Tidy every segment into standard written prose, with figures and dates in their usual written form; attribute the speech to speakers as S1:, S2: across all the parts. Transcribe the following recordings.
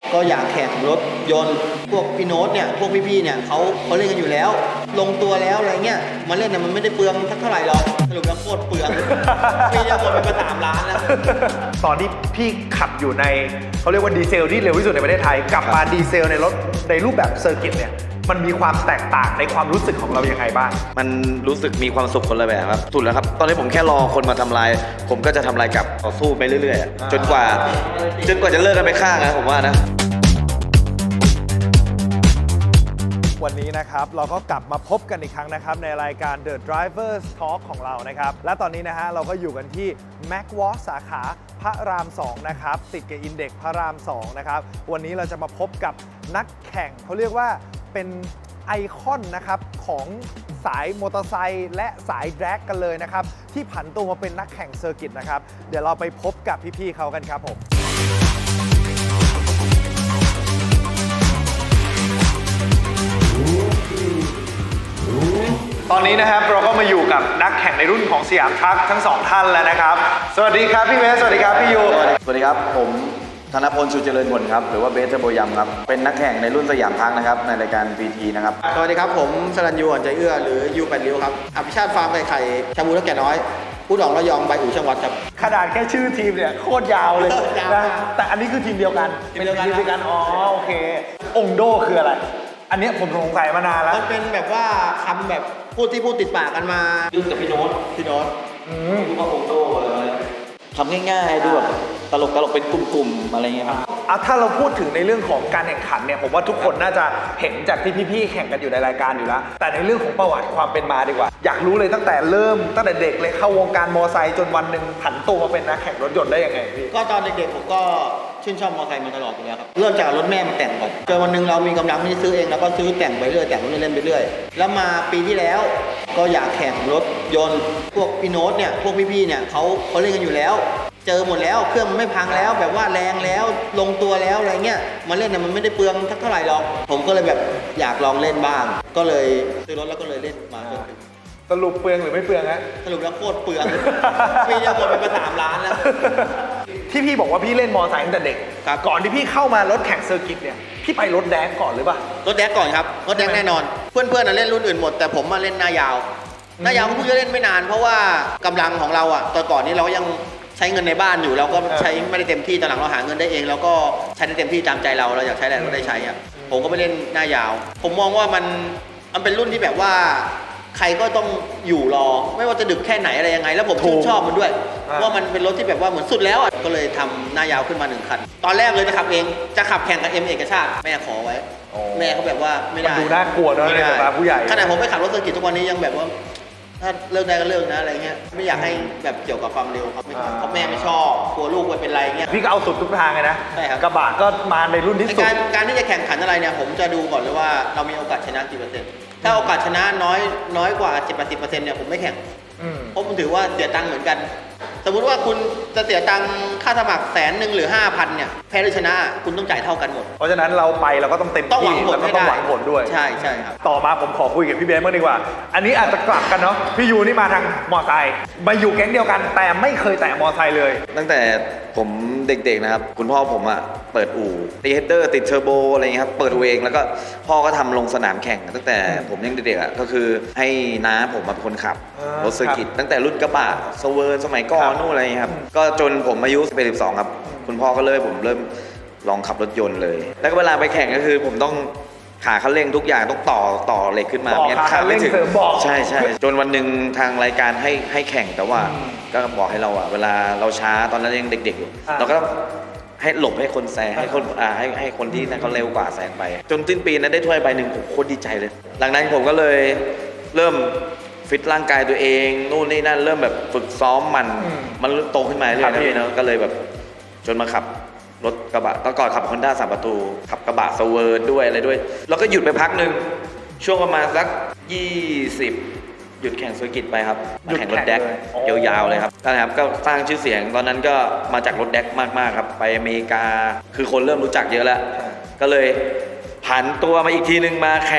S1: ก็อยากแข่งรถยนต์พวกพี่โน้ตเนี่ยพวกพี่ๆเนี่ยเขาเล่นกันอยู่แล้ว ลงตัวแล้วอะไรเงี้ยมาเล่นเนี่ยมันไม่ได้เปลืองเท่าไหร่หรอกสรุปแล้วโคตรเปลืองพี่จะหมดไปประมาณ3 ล้านแล้ว
S2: ตอนที่พี่ขับอยู่ในเขาเรียกว่าดีเซลที่เร็วที่สุดในประเทศไทยกลับมาดีเซลในรถในรูปแบบเซอร์กิตเนี่ยมันมีความแตกต่างในความรู้สึกของเรายังไงบ้าง
S3: มันรู้สึกมีความสุขคนละแบบครับสุดแล้วครับตอนนี้ผมแค่รอคนมาทำลายผมก็จะทำลายกลับต่อสู้ไปเรื่อยๆจนกว่าจะเลิกกันไปข้างนะผมว่านะ
S2: วันนี้นะครับเราก็กลับมาพบกันอีกครั้งนะครับในรายการ The Drivers Talk ของเรานะครับและตอนนี้นะฮะเราก็อยู่กันที่ Macwalk สาขาพระราม 2 นะครับติดกับอินเด็กซ์พระราม 2 นะครับวันนี้เราจะมาพบกับนักแข่งเขาเรียกว่าเป็นไอคอนนะครับของสายมอเตอร์ไซค์และสายแดร็กกันเลยนะครับที่ผันตัวมาเป็นนักแข่งเซอร์กิตนะครับเดี๋ยวเราไปพบกับพี่ๆเขากันครับผมตอนนี้นะครับเราก็มาอยู่กับนักแข่งในรุ่นของสยามทรัคทั้ง2ท่านแล้วนะครับสวัสดีครับพี่เบสสวัสดีครับพี่ยู
S3: สวัสดีครับผมธนพล ชูเจริญผลครับหรือว่าเบสเทอร์โบยัมครับเป็นนักแข่งในรุ่นสยามทรัคนะครับในรายการ PT นะครับ
S1: สวัสดีครับผมสรัญยูอ่อนใจเอื้อหรือยู8ริ้วครับอภิชาติฟาร์มไก่ไข่ชาบูและแก่น้อยผู้ดองระยองใบอู่ช่างวัดครับ
S2: ขนาดแค่ชื่อทีมเนี่ยโคตรยาวเลยนะแต่อันนี้คือทีมเดียวกันเป็นทีมเดียวกันอ๋อโอเคองโดคืออะไรอันนี้ผมสงสัยมานานแล้ว
S1: มันเป็นแบบว่าคำแบบพูดติดปากกันมา
S3: ยุ่งกับพี่โน้ตรู้ว่าโอโต้อะไรทำง่ายๆดูแบบตลกเป็นกลุ่มๆอะไรเงี้ยครับ
S2: ถ้าเราพูดถึงในเรื่องของการแข่งขันเนี่ยผมว่าทุกคนน่าจะเห็นจากที่พี่ๆแข่งกันอยู่ในรายการอยู่แล้วแต่ในเรื่องของประวัติความเป็นมาดีกว่าอยากรู้เลยตั้งแต่เด็กเลยเข้าวงการมอไซค์จนวันหนึ่งผันตัวมาเป็นนักแข่งรถยนต์ได้ยังไงพี่
S1: ก็ตอนเด็กๆผมก็ชื่นชอบมอไซค์มาตลอดอยู่แล้วครับเริ่มจากรถแม่มาแต่งก่อนจนวันหนึ่งเรามีกำลังที่จะซื้อเองแล้วก็ซื้อแต่งไปเรื่อยแต่งเล่นไปเรื่อยแล้วมาปีที่แล้วก็อยากแข่งรถยนต์พวกพี่โน้ตเนี่ยพวกพี่ๆเนี่ยเขาเล่นกันอยู่แล้วเจอหมดแล้วเครื่องมันไม่พังแล้วแบบว่าแรงแล้วลงตัวแล้วอะไรเงี้ยมาเล่นเนี่ยมันไม่ได้เปลืองเท่าไหร่หรอกผมก็เลยแบบอยากลองเล่นบ้างก็เลยซื้อรถแล้วก็เลยเล่นมาจนถึง
S2: สรุปเปลืองหรือไม่เปลืองฮะ
S1: สรุปแล้วโคตรเปลืองปีจะหมดไป3 ล้านแล้ว
S2: ที่พี่บอกว่าพี่เล่นมอไซค์ตั้งแต่เด็กก่อนที่พี่เข้ามารถแข่งเซอร์กิตเนี่ยพี่ไปรถแดกก่อนหรือเปล่าร
S1: ถแดกก่อนครับรถแดกแน่นอนเพื่อนๆเล่นรุ่นอื่นหมดแต่ผมมาเล่นหน้ายาวก็เพิ่งจะเล่นไม่นานเพราะว่ากำลังของเราอ่ะตอนก่อนนี้เรายังใช้เงินในบ้านอยู่เราก็ใช้ไม่ได้เต็มที่ตอนหลังเราหาเงินได้เองแล้วก็ใช้ได้เต็มที่ตามใจเราอยากใช้อะไรเราได้ใช้อ่ะผมก็ไปเล่นหน้ายาวผมมองว่ามันเป็นรุ่นที่แบบว่าใครก็ต้องอยู่รอไม่ว่าจะดึกแค่ไหนอะไรยังไงแล้วผมชื่นชอบมันด้วยว่ามันเป็นรถที่แบบว่าเหมือนสุดแล้วอ่ะก็เลยทำหน้ายาวขึ้นมา1 คันตอนแรกเลยจะขับเองจะขับแข่งกับเอกชาติแม่ขอไว้แม่เขาแบบว่าไม่ได้
S2: ดูน่ากลัวเนอะในสายตาผู้ใหญ่
S1: ขนาดผมไปขับรถเซอร์กิตทุกวันนี้ยังแบบว่าถ้าเลิกได้ก็เลิกนะอะไรเงี้ยไม่อยากให้แบบเกี่ยวกับความเร็วครับเพราะแม่ไม่ชอบกลัวลูกเป็นไรเงี้ย
S2: พี่ก็เอาสุดทุกทางเลยนะ
S1: ใช่ครับ
S2: กระบะก็มาในรุ่นที่สุด
S1: การที่จะแข่งขันอะไรเนี่ยผมจะดูก่อนเลยว่าเรามีโอกาสชนะกี่เปอร์เซ็นต์ถ้าโอกาสชนะน้อยกว่า 70-80% เนี่ยผมไม่แข่งเพราะผมถือว่าเสียตังค์เหมือนกันสมมุติว่าคุณจะเสียตังค่าสมัคร100,000 หรือ 5,000 เนี่ยแพ้หรือชนะคุณต้องจ่ายเท่ากันหมด
S2: เพราะฉะนั้นเราไปเราก็ต้องเต็มที่แล้วก็ต้องหวังผลด้วย
S1: ใช่ครับ
S2: ต่อมาผมขอคุยกับพี่เบสบ้างดีกว่าอันนี้อาจจะกลับกันเนาะพี่ยูนี่มาทางมอไซค์มาอยู่แก๊งเดียวกันแต่ไม่เคยแตะมอไซค์เลย
S3: ตั้งแต่ผมเด็กๆนะครับคุณพ่อผมอ่ะเปิดอู่ตีเฮดเดอร์ติดเทอร์โบอะไรเงี้ยครับเปิดอู่เองแล้วก็พ่อก็ทำลงสนามแข่งตั้งแต่ผมยังเด็กๆอ่ะก็คือให้น้าผมมาเป็นคนขับรถเซอร์กิตตั้งแต่รุ่นกระบะสเวิร์นสมัยก่อนนู่นอะไรครับก็จนผมอายุ12ครับคุณพ่อก็เลยผมเริ่มลองขับรถยนต์เลยแล้วก็เวลาไปแข่งก็คือผมต้องขาคันเร่งทุกอย่างต้องต่อเหล็กขึ้นมา
S2: เนี่ยขาไม่ถึง
S3: ใช่จนวันหนึ่งทางรายการให้แข่งแต่ว่าก็บอกให้เราอ่ะเวลาเราช้าตอนนั้นยังเด็กๆอยู่เราก็ต้องให้หลบให้คนแซงให้คนที่นั่นเขาเร็วกว่าแซงไปจนสิ้นปีนั้นได้ถ้วยใบหนึ่งผมโคตรดีใจเลยหลังนั้นผมก็เลยเริ่มฟิตร่างกายตัวเองนู่นนี่นั่นเริ่มแบบฝึกซ้อมมันโตขึ้นมาเรื่อยๆนะพี่เนาะก็เลยแบบจนมาขับรถกระบะก่อนขับ Honda 3 ประตูขับกระบะสเวิร์นด้วยอะไรด้วยแล้วก็หยุดไปพักหนึ่งช่วงประมาณสัก20หยุดแข่งเซอร์กิตไปครับมาแข่งรถแดกยาวๆเลยครับนะครับก็สร้างชื่อเสียงตอนนั้นก็มาจากรถแดกมากๆครับไปอเมริกาคือคนเริ่มรู้จักเยอะแล้วก็เลยผันตัวมาอีกทีนึงมาแข่ง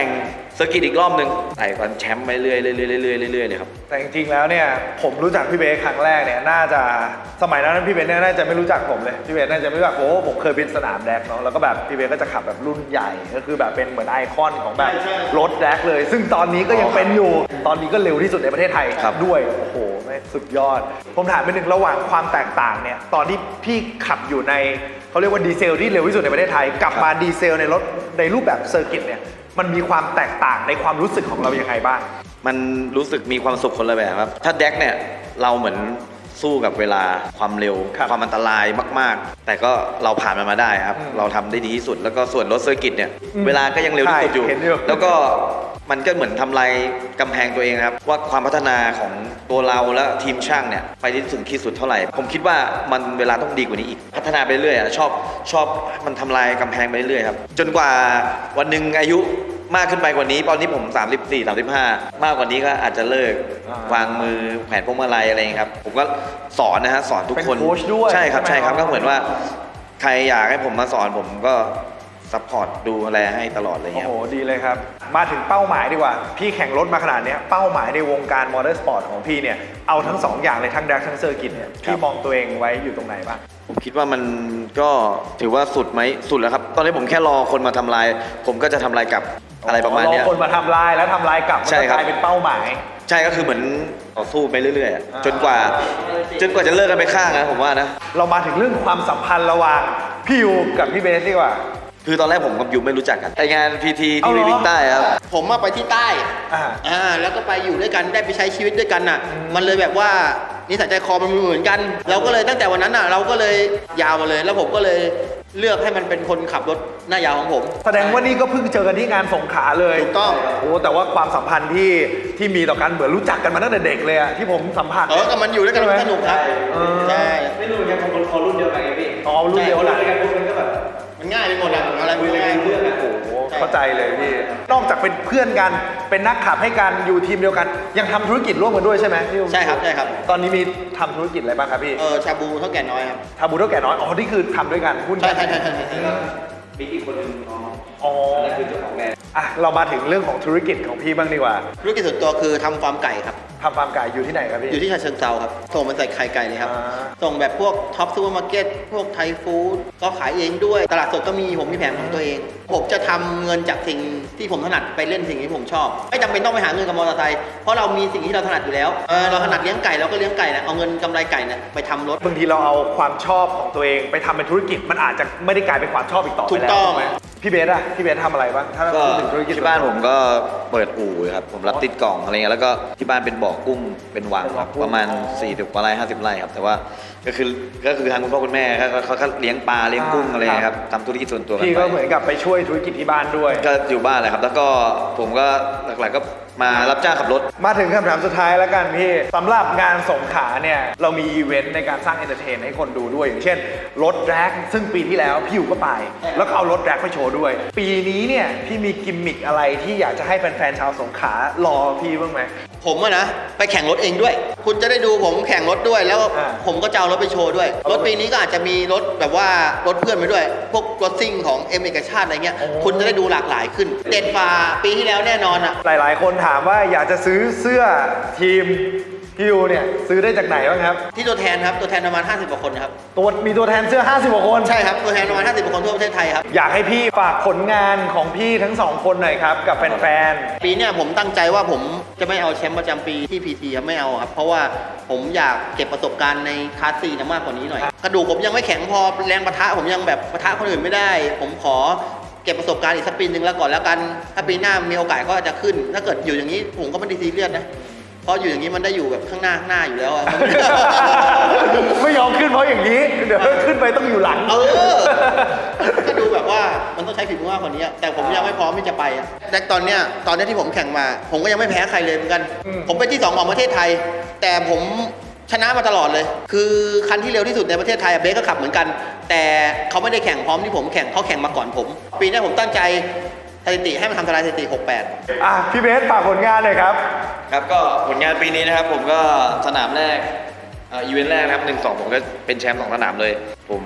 S3: เซอร์กิตอีกรอบหนึ่งไต่ฟันแชมป์ไปเรื่อยๆเรื่อยๆเรื่อยๆเรื่อยๆเลยครับ
S2: แต่จริงๆแล้วเนี่ยผมรู้จักพี่เบสครั้งแรกเนี่ยน่าจะสมัยนั้นพี่เบสเนี่ยน่าจะไม่รู้จักผมเลยพี่เบสน่าจะไม่รู้จักผมเคยเป็นสนามแดกเนาะแล้วก็แบบพี่เบสก็จะขับแบบรุ่นใหญ่ก็คือแบบเป็นเหมือนไอคอนของแบบรถแดกเลย ซึ่งตอนนี้ก็ยังเป็นอยู่ตอนนี้ก็เร็วที่สุดในประเทศไทย
S3: ครับ
S2: ด้วยโอ้โหไม่สุดยอด ผมถามไปหนึ่งระหว่างความแตกต่างเนี่ยตอนที่พี่ขับอยู่ในเขาเรียกว่าดีเซลที่เร็วที่สุดในประเทศไทยกับมาดีเซลในรถในรูปแบบเซอร์กิตเนี่ยมันมีความแตกต่างในความรู้สึกของเรายังไงบ้าง
S3: มันรู้สึกมีความสุขคนละแบบครับ ถ้าแดกเนี่ยเราเหมือนสู้กับเวลาความเร็ว
S2: ครับ
S3: ความอันตรายมากๆ แต่ก็เราผ่านมันมาได้ครับ เราทำได้ดีที่สุด แล้วก็ส่วนรถเซอร์กิตเนี่ย เวลาก็ยังเร็วที่สุดอยู่
S2: ใช่เห็นอยู่
S3: แล้วก็มันก็เหมือนทำลายกำแพงตัวเองครับ ว่าความพัฒนาของตัวเราและทีมช่างเนี่ยไปได้ถึงที่สุดเท่าไหร่ ผมคิดว่ามันเวลาต้องดีกว่านี้อีก พัฒนาไปเรื่อยๆชอบมันทำลายกำแพงไปเรื่อยๆครับ จนกว่าวันหนึ่งอายุมากขึ้นไปกว่านี้ตอนนี้ผม34 35มากกว่านี้ก็อาจจะเลิก วางมือแขวนพวงมาลัยอะไรอย่างเงี้ยครับ ผมก็สอนนะฮะสอนทุกคน
S2: เป็นโค้ชด้วย
S3: ใช่ครับ
S2: ใช่
S3: ใช่
S2: ไหม
S3: ครับก็เหมือนว่าใครอยากให้ผมมาสอนผมก็ซัพพอร์ตดูแลให้ตลอดเลย
S2: โอ้
S3: ครั
S2: โห
S3: บ
S2: ดีเลยครับ มาถึงเป้าหมายดีกว่า พี่แข่งรถมาขนาดเนี้ยเป้าหมายในวงการมอเตอร์สปอร์ตของพี่เนี่ยเอาทั้งสองอย่างเลยทั้งแดกทั้งเซอร์กิตเนี่ยพี่มองตัวเองไว้อยู่ตรงไหนบ้าง
S3: ผมคิดว่ามันก็ถือว่าสุดไหมสุดแล้วครับ ตอนนี้ผมแค่รอคนมาทำลาย ผมก็จะทำลายกลับอะไรประมาณเนี้ย
S2: รอคนมาทำลายแล้วทำลายกลับมัน
S3: ใช่
S2: จะ
S3: ครั
S2: ก
S3: บ
S2: ลายเป็นเป้าหมาย
S3: ใช่ก็คือเหมือนต่อสู้ไปเรื่อยๆ จนกว่าจะเลิกกันไปข้างนะผมว่านะ
S2: เรามาถึงเรื่องความสัมพันธ์ระหว่างพี่ยูกับพี่เบสดีกว่า
S3: คือตอนแรกผมกับยูไม่รู้จักกันไปงานพีที
S2: เอา
S3: ที่
S2: เหรอ
S3: วิ่งใต้ครับ
S1: ผมมาไปที่ใต้
S2: อ่า
S1: แล้วก็ไปอยู่ด้วยกันได้ไปใช้ชีวิตด้วยกันน่ะ มันเลยแบบว่านิสัยใจคอมันเหมือนกัน เราก็เลยตั้งแต่วันนั้นน่ะเราก็เลยยาวมาเลย แล้วผมก็เลยเลือกให้มันเป็นคนขับรถหน้ายาวของผม
S2: แสดงว่านี่ก็เพิ่งเจอกันที่งานสงขลาเลย
S1: ถูกต้อง
S2: โอ้แต่ว่าความสัมพันธ์ที่มีต่อกันเหมือนรู้จักกันมาตั้งแต่เด็กเลยอะที่ผมสัมผัส
S1: ก็มันอยู่ด้วยกันมันสนุกครับ ใช่
S3: ไม่รู้เหมือนกันคนคอรุ่นเดียวกันไงพี่
S2: อ๋อรุ่นเดียวกัน
S3: มันก็แบบ
S1: มันง่ายไปหมดอะอะไรมันง่าย
S3: เรื่องอะ
S2: โอ้โหเข้าใจเลยพี่นอกจากเป็นเพื่อนกันเป็นนักขับให้กันอยู่ทีมเดียวกัน ยังทำธุรกิจร่วมกันด้วยใช่ไหมพี่
S1: ใช่ครับใช่ครับ
S2: ตอนนี้มีทำธุรกิจอะไรบ้างครับพี่
S1: ชาบูเท่าแก่น้อยครับ
S2: ทาบูเท่าแก่น้อยอ๋อนี่คือทำด้วยกันหุ้น
S1: ใช่
S2: กัน
S1: ใช่ใช่ใช่ใช่
S3: มีอีกคนหนึงอ๋อ
S2: อ๋อ
S3: นั่นคือเจ้าของแบรนด์
S2: อ่ะเรามาถึงเรื่องของธุรกิจของพี่บ้างดีกว่า
S1: ธุรกิจส่วนตัวคือทำฟาร์มไก่ครับ
S2: ทำฟาร์มไก่อยู่ที่ไหนครับพี่
S1: อยู่ที่ฉะเชิงเทราครับส่งมันใส่ไข่ไก่เลยครับ
S2: อ่า
S1: ส่งแบบพวกท็อปซูเปอร์มาร์เก็ตพวกไทยฟู้ดก็ขายเองด้วย ตลาดสดก็มีผมมีแผงของตัวเอง ผมจะทำเงินจากสิ่งที่ผมถนัดไปเล่นสิ่งที่ผมชอบ ไม่จำเป็นต้องไปหาเงินกับมอเตอร์ไซค์เพราะเรามีสิ่งที่เราถนัดอยู่แล้วเราถนัดเลี้ยงไก่เราก็เลี้ยงไก่นะเอาเงินกำไรไก่เนี่ยไปทำรถ
S2: บางทีเราเอาความชอบของตัวเองไปทำเป็นธุรกิจมันอาจจะไม่ได้กลายเป็นความชอบอีกต่อไป
S1: ถู
S2: แล้ว
S1: กต้อง
S2: ถูกไหมพี่เบสอะพี่เบสทำอะไรบ้างถ้า
S3: ก็
S2: พูดถึงธุรกิจ
S3: ที่บ้านผมก็เปิดอู่ครับ ผมรับติดกล่องอะไรเงี้ยแล้วก็ที่บ้านเป็นบ่อกุ้งเป็นวังครับประมาณ40กว่าไร่50 ไร่ครับแต่ว่าก็คือทางคุณพ่อคุณแม่เขาเลี้ยงปลาเลี้ยงกุ้งอะไรเงี้ยครับทำธุรกิจส่วนตัวกัน
S2: พี่
S3: ไป
S2: ก็เหมือนกับไปช่วยธุรกิจที่บ้านด้วย
S3: ก็อยู่บ้านแหละครับ แล้วก็ผมก็หลักๆก็มารับจ้างขับรถ
S2: มาถึงคำถามสุดท้ายแล้วกันพี่สำหรับงานสงขลาเนี่ยเรามีอีเวนต์ในการสร้างเอนเตอร์เทนให้คนดูด้วย อย่างเช่นรถแร็กซึ่งปีที่แล้วพี่อยู่ก็ไป แล้วก็เอารถแร็กไปโชว์ด้วย ปีนี้เนี่ยพี่มีกิมมิคอะไรที่อยากจะให้แฟนๆชาวสงขลารอพี่บ้างไหม
S1: ผมอะนะไปแข่งรถเองด้วย คุณจะได้ดูผมแข่งรถด้วย แล้ว
S2: อ่า
S1: ผมก็จะเอารถไปโชว์ด้วย รถปีนี้ก็อาจจะมีรถแบบว่ารถเพื่อนไปด้วย พวกรถซิ่งของเอกชาติอะไรเงี้ย คุณจะได้ดูหลากหลายขึ้น เด็ดฝ่าปีที่แล้วแน่นอนอะ
S2: หลายๆ คนถามว่าอยากจะซื้อเสื้อทีมพี่ยูเนี่ยซื้อได้จากไหนบ้างครับ
S1: ที่ตัวแทนครับตัวแทนประมาณ50กว่าคนครับ
S2: มีตัวแทนเสื้อ 50 กว่าคน
S1: ใช่ครับตัวแทนประมาณ50กว่าคนทั่วประเทศไทยครับ
S2: อยากให้พี่ฝากผลงานของพี่ทั้งสองคนหน่อยครับกับแฟน
S1: ปีเนี้ยผมตั้งใจว่าผมจะไม่เอาแชมป์ประจำปีที่ PT ครับไม่เอาครับ เพราะว่าผมอยากเก็บประสบการณ์ในคลาส4นะมากกว่านี้หน่อย กระดูกผมยังไม่แข็งพอแรงปะทะผมยังแบบปะทะคนอื่นไม่ได้ ผมขอเก็บประสบการณ์อีกสักปีนึงแล้วก่อนแล้วกัน ถ้าปีหน้ามีโอกาสก็จะขึ้น ถ้าเกิดอยู่อย่างนี้ผมก็ไม่ได้ซีเรียสนะ เพราะอยู่อย่างนี้มันได้อยู่แบบข้างหน้าอยู่แล้วอะ
S2: ๆ ไม่ยอมขึ้นเพราะอย่างนี้ เดี๋ยวขึ้นไปต้องอยู่หลัง
S1: ก็ดูแบบว่ามันต้องใช้ฝีมือมากกว่านี้อะแต่ผมยังไม่พร้อมที่จะไปอะแต่ตอนเนี้ยที่ผมแข่งมา ผมก็ยังไม่แพ้ใครเลยเหมือนกัน ผมเป็นที่2ของประเทศไทย แต่ผมชนะมาตลอดเลย คือคันที่เร็วที่สุดในประเทศไทยอะเบสก็ขับเหมือนกัน แต่เขาไม่ได้แข่งพร้อมที่ผมแข่งเขาแข่งมาก่อนผม ปีนี้ผมตั้งใจสถิติให้มันทำทลายสถิติ 68
S2: พี่เบสฝากผลงานหน่อยครับ
S3: ครับก็ผลงานปีนี้นะครับผมก็สนามแรกอีเวนต์แรกนะครับ1-2ผมก็เป็นแชมป์2 สนามเลย ผม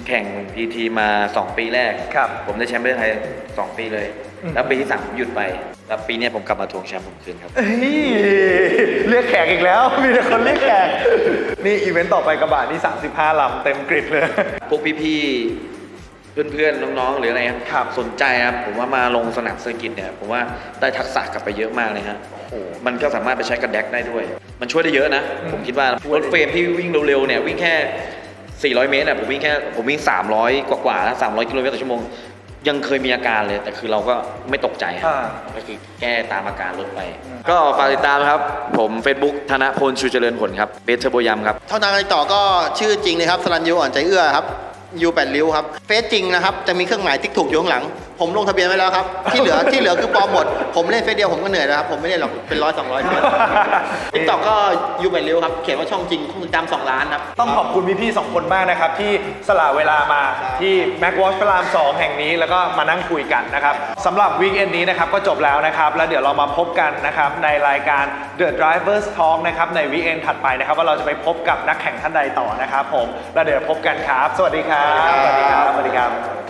S3: แข่ง PT มา 2 ปีแรก
S2: ครับ
S3: ผมได้แชมป์ประเทศไทย 2 ปีเลย แล้วปีที่3ผมหยุดไป แล้วปีเนี้ยผมกลับมาทวงแชมป์ผมคืนครับ
S2: เฮ้ยเรียกแขกอีกแล้ว มีแต่คนเรียกแขก นี่อีเวนต์ต่อไปกระบะนี่35 ลำเต็มกริดเลย
S3: พวกพี่ๆ เพื่อนๆ น้องๆ หรืออะไรครับสนใจครับ ผมว่ามาลงสนามเซอร์กิตเนี่ย ผมว่าได้ทักษะกลับไปเยอะมากเลยฮะ
S2: โอ้โห
S3: มันก็สามารถไปใช้กับแดกได้ด้วย มันช่วยได้เยอะนะ ผมคิดว่ารถเฟรมที่วิ่งเร็วๆ เนี่ยวิ่งแค่ 400 เมตรผมวิ่ง 300 กว่าๆแล้ว300 กิโลเมตรต่อชั่วโมง ยังเคยมีอาการเลย แต่คือเราก็ไม่ตกใจครับ ก็คือแก้ตามอาการลดไป ก็ฝากติดตามครับ ผม Facebook ธนพล ชูเจริญผลครับ เบสเทอร์โบยำครับ
S1: เท่านั้นติดต่อก็ชื่อจริงเลยครับสรัญยูอ่อนใจเอื้อครับยู8ริ้วครับเฟซจริงนะครับจะมีเครื่องหมายติ๊กถูกอยู่ข้างหลัง ผมลงทะเบียนไว้แล้วครับ ที่เหลือคือปลอมหมด ผมเล่นเฟซเดียวผมก็เหนื่อยแล้วครับผมไม่เล่นหรอกเป็น100-200เฟซติ๊กต็อกก็ยู8ริ้วครับเขียนว่าช่องจริงคนติดตาม2 ล้านครับ
S2: ต้องขอบคุณพี่ๆ2 คนมากนะครับ ที่สละเวลามาที่ Mac Watch พระราม 2 แห่งนี้แล้วก็มานั่งคุยกันนะครับสำหรับวีคเอนนี้นะครับก็จบแล้วนะครับ แล้วเดี๋ยวเรามาพบกันนะครับในรายการ The Drivers Talk นะครับในวีคเอนถัดไปนะครับว่าเราจะไปพบกับนักแข่งท่านใดต่อนะครับผมแล้วเดี๋ยวพบกันครับ สวัสดีครับ
S1: สวัสดีครับ
S2: สวัสดีครับ